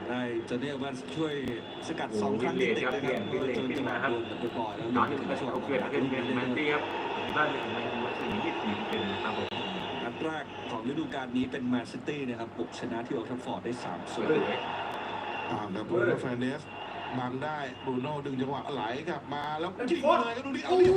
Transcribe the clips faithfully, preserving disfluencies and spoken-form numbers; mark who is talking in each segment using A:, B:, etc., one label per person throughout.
A: ได้จะเรียกว่าช่วยสกัดสองครั้งติดๆนะครับจนจังหวะโดนไปปล่อยแล้ว
B: ย้อน
A: ถึ
B: ถึ
A: ง
B: ง
A: กระชว
B: เขา
A: ก
B: เกิดขึ้นเป็นแมนตี้ครับได้ถึงในสี่ยี่สิบเป็นครับผม
A: นัดแรกของฤดูกาลนี้เป็นแมนซิตี้นะครับบุกชนะที่โอลด์แทราฟฟอร์ดได้สามศูนย์
C: อ่าแล้วบรูโน่เฟรนเดสบังได้บรูโน่ดึงจังหวะไหลกลับมาแล้วยิงเลยครับดูดิเอาดิ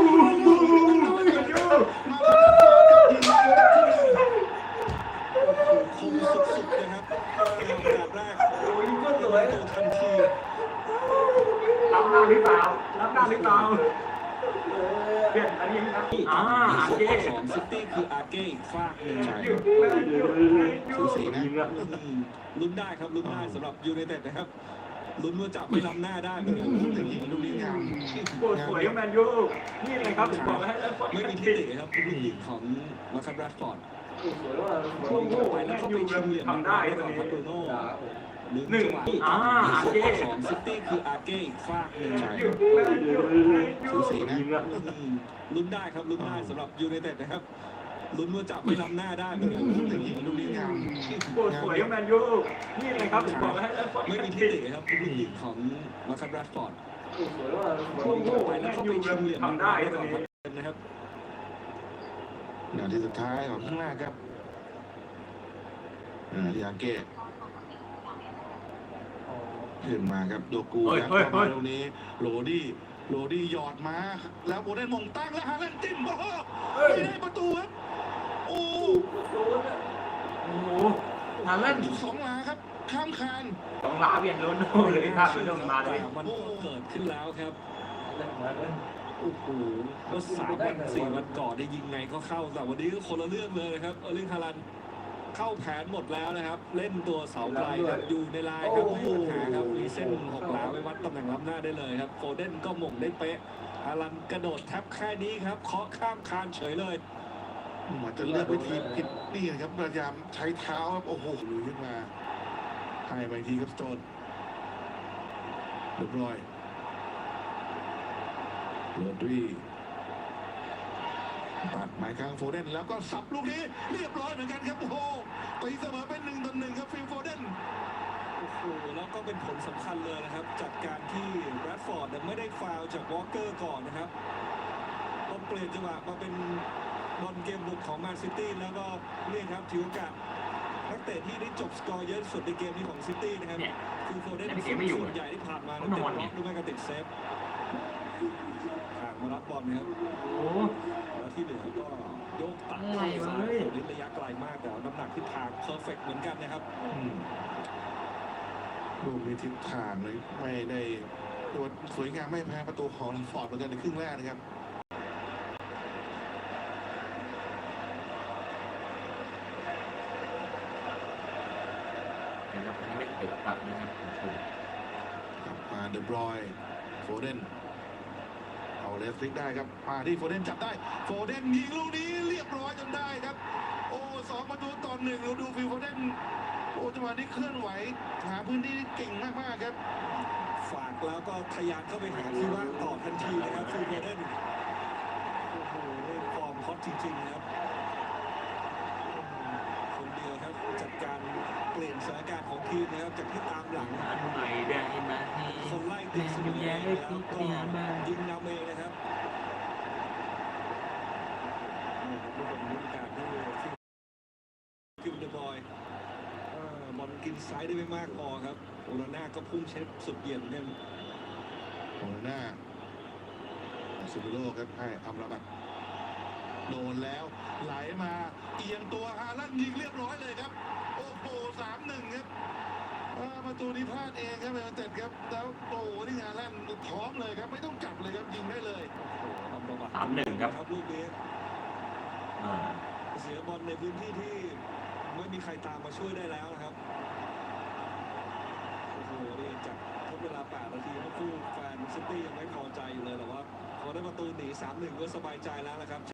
A: คมสุดๆนะครับโอกาสแรก
B: โอ้ยก็สวย
A: ตัวทันที
B: รับหน้าหรือเปล่ารับหน้าหรือเปล่าเปลี่ยนอันนี้ครับอ่าอาเก้
A: ของซิตี้คืออาเก้อีกฝากหนึ่ง
C: ใช่
B: สูสีนะ
A: อืมลุ้นได้ครับลุ้นได้สำหรับยูไนเต็ดนะครับลุ้นว่าจะไม่ล้ำหน้าได้เหมือนกัน
C: แต่ยิงลูกนี้งาม
B: โคตรสวยแมนยูนี่เลยครับผมบอกให้
A: ไม่มีที่ติครับลูกยิงของมาคัสแรชฟอร์ด
B: สวยว่า
A: โอ้โหไปแล้วก็ไปชิงเหลี่ยม
B: ทำได้
A: ก่
B: ต
A: อ
B: อน
A: นครับ
B: นี้
A: บรูโน่
B: หนึ่งอ่าอาเก้
A: ของซิตี้คืออาเก้อีกฝากหนึ่ง
C: ใช่สูสีนะ
A: อืมลุ้นได้ครับลุ้นได้สำหรับยูไนเต็ดนะครับลุ้นว่าจะไม่ล้ำหน้าได้เหมือนกัน
C: แต่ยิงลูกนี้งาม
B: โคตรสวยแมนยูนี่เลยครับผมบอกให้
A: ไม่มีที่ติครับลูกยิงของมาคัสแรชฟอร์ด
B: สวยว่า
A: ไปแล้วก็ไปชิงเหลี่ยม
B: ทำได้ต
A: ก่
B: อ
A: อน น
B: นี้
A: นะครับ
C: นาทีสุดท้ายของข้างหน้าครับอ่าที่อาเก้ขึ้นมาครับโดกูยัดเข้ามาตรงนี้โรดี้โรดี้หยอดมาแล้วโบเดนมงตั้งแล้วฮาเลนจิ้มโอ้โหไม่ได้ประตูครับโอ้
B: โอ้โหฮาแลนด์
C: สองหลาครับข้ามคาน
B: ต้องลาเปลี่ยนโรนโดเลยครับไม่ต้องมาเลย
A: มันก็เกิดขึ้นแล้วครับโอ้โหเมื่อสามวันสี่วันก่อนได้ยิงไงก็เข้าแต่วันนี้ก็คนละเรื่องเลยนะครับเออร์ลิงฮาลันด์เข้าแผนหมดแล้วนะครับ เล่นตัวเสาไกลครับอยู่ในลายครับไม่มีปัญหาครับมีเส้นหกหลาไว้วัดตำแหน่งล้ำหน้าได้เลยครับโฟเดนก็หม่งได้เป๊ะฮาลันด์กระโดดแทบแค่นี้ครับเคาะข้ามคานเฉยเลย
C: เหมือนจะเลือกวิธีผิดนี่นะครับพยายามใช้เท้าครับโอ้โหลุยขึ้นมาให้ไปทีครับสโตนเรียบร้อยโรดรีตัดหมายกลางโฟเดนแล้วก็สับลูกนี้เรียบร้อยเหมือนกันครับโอ้โหตีเสมอเป็นหนึ่งต่อหนึ่งครับฟิลโฟเดน
A: โอ้โหแล้วก็เป็นผลสำคัญเลยนะครับจากการที่แรดฟอร์ดไม่ได้ฟาวล์จากวอลเกอร์ก่อนนะครับต้องเปลี่ยนจังหวะมาเป็นบอลเกมบุกของแมนซิตี้แล้วก็นี่ครับถือโอกาสนักเตะที่ได้จบสกอร์เยอะสุดในเกมนี้ของซิตี้นะครับ
B: เนี่ย
A: คือโฟเดน
B: แต่เกมไม่อยู่
A: ส่วนใหญ่ที่ผ่านมา
B: ต้
A: นั้
B: อน ง
A: ติด
B: นอน
A: บ
B: เนี่
A: ล็อย กหรือไม่ก็ติดเซฟห่างมารับบอลนะครับ
B: โอ้
A: แล้วที่เหลือก็โยกตัด
B: อะไรวะ
A: ซ้ายสุดระยะไกลมากแต่ว่าน้ำหนักที่ทางเพอร์เฟกต์เหมือนกันนะครับ
C: ลูกมีทิศทางเลยไม่ได้ตัวสวยงามไม่แพ้ประตูของฟอร์ดเหมือนกันในครึ่งแรกนะครับ
B: นะครับไม่เปิดตัดนะครับผม
C: กลับมาเดบรอยโฟเดนเอาเลสฟลิกได้ครับมาที่โฟเดนจับได้โฟเดนยิงลูกนี้เรียบร้อยจนได้ครับโอ้สองประตูต่อหนึ่งเราดูฟิลโฟเดนโอ้จังหวะนี้เคลื่อนไหวหาพื้นที่เก่งมากๆครับ
A: ฝากแล้วก็ทะยานเข้าไปหาที่ว่างต่อทันทีนะครับฟิลโฟเดนโอ้โหฟอร์มฮอตจริงๆนะครับคนเดียวครับจัดการเปลี่ยนสถานการณ์ของทีมนะครับจากที่ตามหลัง
B: อันใหม่ได้ไหม
A: คนไล่ติดสมิงแล้วก็ยิงนำเองนะครับโอ้โหเป็นฤดูกาลที่กิมเดบอยเอ่อบอลกินซ้ายได้ไม่มากพอครับโอนาน่าก็พุ่งเช็ดสุดเหยียดเหมือนกัน
C: โอนาน่าซูบิโลครับให้อัมราบัตโดนแล้วไหลมาเอียงตัวฮาลันยิงเรียบร้อยเลยครับโอ้โหสามหนึ่งครับอ่าประตูนี้พลาดเองครับเอเต็ดครับแล้วโอ้โหนี่ฮาลันพร้อมเลยครับไม่ต้องจับเลยครับยิงได้เลย
A: โอ้โหทำประวัติ
B: สามหนึ่งครับ
A: ครับลูกนี้
B: อ่า
A: เสียบอลในพื้นที่ที่ไม่มีใครตามมาช่วยได้แล้วนะครับโอ้โหนี่จากทดเวลาแปดนาทีเมื่อคู่แฟนซิตี้ยังไม่พอใจอยู่เลยแต่ว่าพอได้ประตูหนี สามหนึ่ง ก็สบายใจแล้วนะครับ